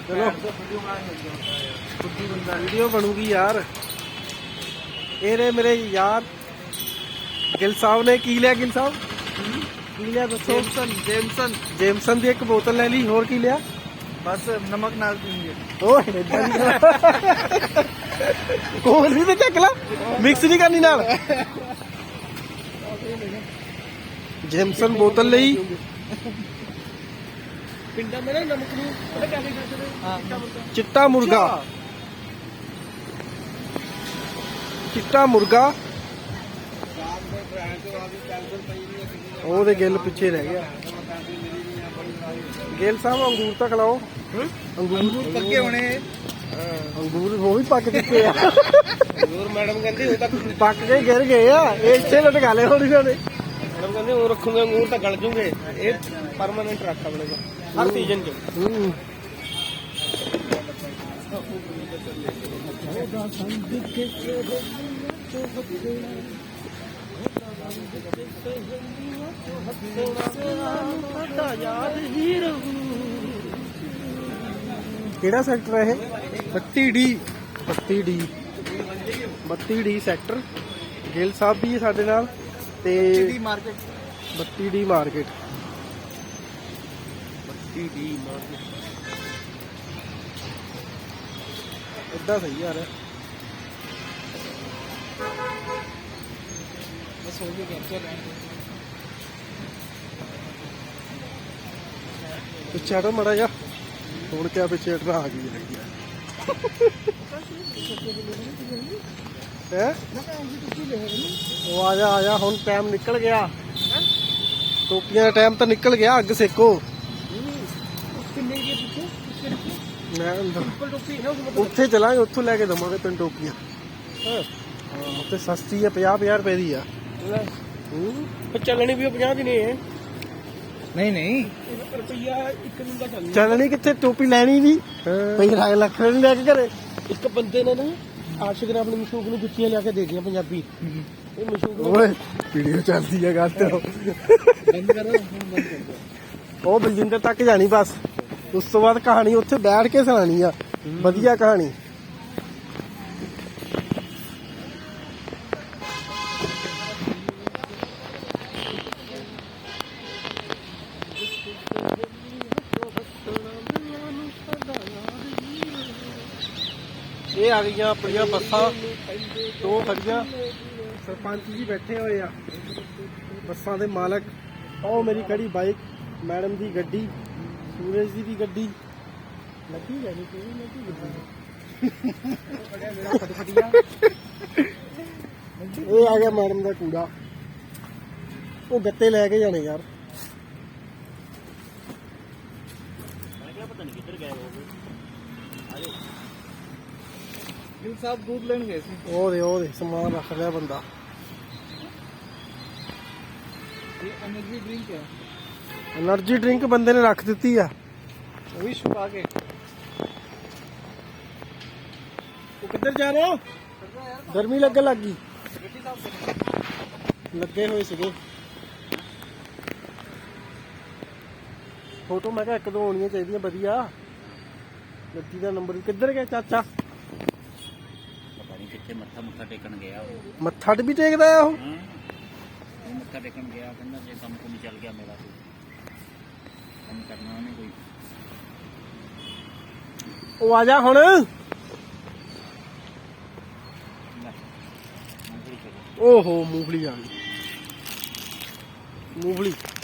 चलो वीडियो बनूगी यार। ये रे मेरे यार गिल साहब ने की लिया। गिल साहब की लिया दसो। जेमसन जेमसन की एक बोतल ले ली। होर की लिया? बस नमक नाल पीएंगे। कोल भी तो चक ला, मिक्स नहीं करनी नाल। जेमसन बोतल ली। पिंडा में ना नमक नू पता क्या करते थे? चिट्टा मुर्गा, चिट्टा मुर्गा। ਉਹਦੇ ਗਿੱਲ ਪਿੱਛੇ ਰਹਿ ਗਿਆ। ਗਿੱਲ ਸਾਹਿਬ ਅੰਗੂਰ ਤਾਂ ਖਿਲਾਓ। अंगूर पक्के होने। ਅੰਗੂਰ ਉਹ ਵੀ ਪੱਕ ਚੁੱਕੇ ਆ। अंगूर मैडम कहती वो तक ਪੱਕ ਕੇ ਗਿਰ ਗਏ ਆ। ਇਹ ਇੱਥੇ ਲਟਕਾ ਲਏ ਹੁਣ ਇਹਨਾਂ ਨੇ। मैडम कहती वो रखूंगे अंगूर तो गल जूंगे। ये परमानेंट रखा पड़ेगा हर सीजन च। ਕਿਹੜਾ ਸੈਕਟਰ ਹੈ ਇਹ? 32D 32D 32D sector. Gill ਸਾਹਿਬ ਵੀ ਸਾਡੇ ਨਾਲ ਤੇ market 32D market. 32D market ਏਦਾਂ ਸਹੀ ਯਾਰ। बस हो गया कैप्चर। ਪਿੱਛੇ ਹਟੋ ਮੜਾ ਜਾ। ਹੁਣ ਕਿਆ ਪਿੱਛੇ ਹਟਣਾ ਆ ਗਈ ਹੈਗੀ ਹੈ। ਉਹ ਆ ਜਾ ਹੁਣ ਟਾਈਮ ਨਿਕਲ ਗਿਆ। ਟੋਪੀਆਂ ਦਾ ਟਾਈਮ ਤਾਂ ਨਿਕਲ ਗਿਆ। ਅੱਗ ਸੇਕੋ। ਮੈਂ ਉੱਥੇ ਚਲਾਂਗੇ, ਉੱਥੋਂ ਲੈ ਕੇ ਦਵਾਂਗੇ ਤੈਨੂੰ ਟੋਪੀਆਂ। ਉੱਥੇ ਸਸਤੀ ਹੈ, 50 ਰੁਪਏ ਦੀ ਆ। ਚੱਲਣੀ ਵੀ 50 ਦੀ ਨਹੀਂ ਹੈ। नहीं रुपया एक दिन का चलना। ਚੱਲਣੀ ਕਿੱਥੇ, ਟੋਪੀ ਲੈਣੀ ਨਹੀਂ। ਪਈ ਲੱਖ ਨਹੀਂ ਲੈ ਕੇ ਘਰੇ। ਇੱਕ ਬੰਦੇ ਨੇ ਨਾ ਆਸ਼ਿਕ ਨੇ ਆਪਣੀ ਮਸ਼ੂਕ ਨੂੰ ਜੁੱਤੀਆਂ ਲਿਆ ਕੇ ਦੇ ਦਿੱਤੀਆਂ ਪੰਜਾਬੀ। ਇਹ ਮਸ਼ੂਕ ਓਏ ਵੀਡੀਓ ਚੱਲਦੀ ਹੈ ਗੱਲ ਤੇ। ਬੰਦ ਕਰੋ ਬੰਦ ਕਰ। ਉਹ ਬਲਜਿੰਦਰ ਤੱਕ ਜਾਣੀ ਬਸ। ਉਸ ਤੋਂ ਬਾਅਦ ਕਹਾਣੀ ਉੱਥੇ ਬੈਠ ਕੇ ਸੁਣਾਣੀ ਆ, ਵਧੀਆ ਕਹਾਣੀ। ਇਹ ਆ ਗਈਆਂ ਆਪਣੀਆਂ ਬੱਸਾਂ, ਦੋ ਖੜੀਆਂ। ਸਰਪੰਚ ਜੀ ਬੈਠੇ ਹੋਏ ਆ, ਬੱਸਾਂ ਦੇ ਮਾਲਕ। ਉਹ ਮੇਰੀ ਖੜੀ ਬਾਈਕ, ਮੈਡਮ ਦੀ ਗੱਡੀ, ਸੂਰਜ ਜੀ ਦੀ ਗੱਡੀ ਲੱਗੀ ਜਾਣੀ। ਇਹ ਆ ਗਿਆ ਮੈਡਮ ਦਾ ਕੂੜਾ। ਉਹ ਗੱਤੇ ਲੈ ਕੇ ਜਾਣੇ ਯਾਰ। ਪਤਾ ਨਹੀਂ ਕਿੱਧਰ ਗਏ ਹੋਗੇ। ਗਿਲ ਸਾਹਿਬ दूध ਲੈਣ ਗਏ ਸੀ। ਉਹਦੇ ਸਮਾਨ ਰੱਖ ਲਿਆ ਬੰਦਾ। ਇਹ એનર્ਜੀ ਡਰਿੰਕ ਹੈ। એનર્ਜੀ ਡਰਿੰਕ ਬੰਦੇ ਨੇ ਰੱਖ ਦਿੱਤੀ ਆ। ਉਹ ਵੀ ਛੁਪਾ ਕੇ। ਉਹ ਕਿੱਧਰ ਜਾ ਰਹੇ ਹੋ? ਗਰਮੀ ਲੱਗਣ ਲੱਗ ਗਈ। ਲੱਗੇ ਹੋਏ ਸੀਗੇ ਫੋਟੋ। ਮੈਂ ਕਿਹਾ ਇੱਕ ਦੋ ਹੋਣੀਆਂ ਚਾਹੀਦੀਆਂ ਵਧੀਆ। ਗੱਡੀ ਦਾ ਨੰਬਰ ਕਿੱਧਰ ਗਿਆ ਚਾਚਾ? ਪਤਾ ਨਹੀਂ ਕਿੱਥੇ ਮੱਥਾ ਟੇਕਣ ਗਿਆ ਉਹ। ਮੱਥਾ ਵੀ ਟੇਕਦਾ ਆ ਉਹ। ਮੱਥਾ ਟੇਕਣ ਗਿਆ, ਕਹਿੰਦਾ ਜੇ ਕੰਮ ਕੁਮ ਚੱਲ ਗਿਆ ਮੇਰਾ ਕੋਈ ਕੰਮ ਕਰਨਾ ਉਹਨੇ ਕੋਈ। ਉਹ ਆ ਜਾ ਹੁਣ। ਓਹੋ ਮੂੰਗਫਲੀ ਆ ਗਈ। ਮੂੰਗਫਲੀ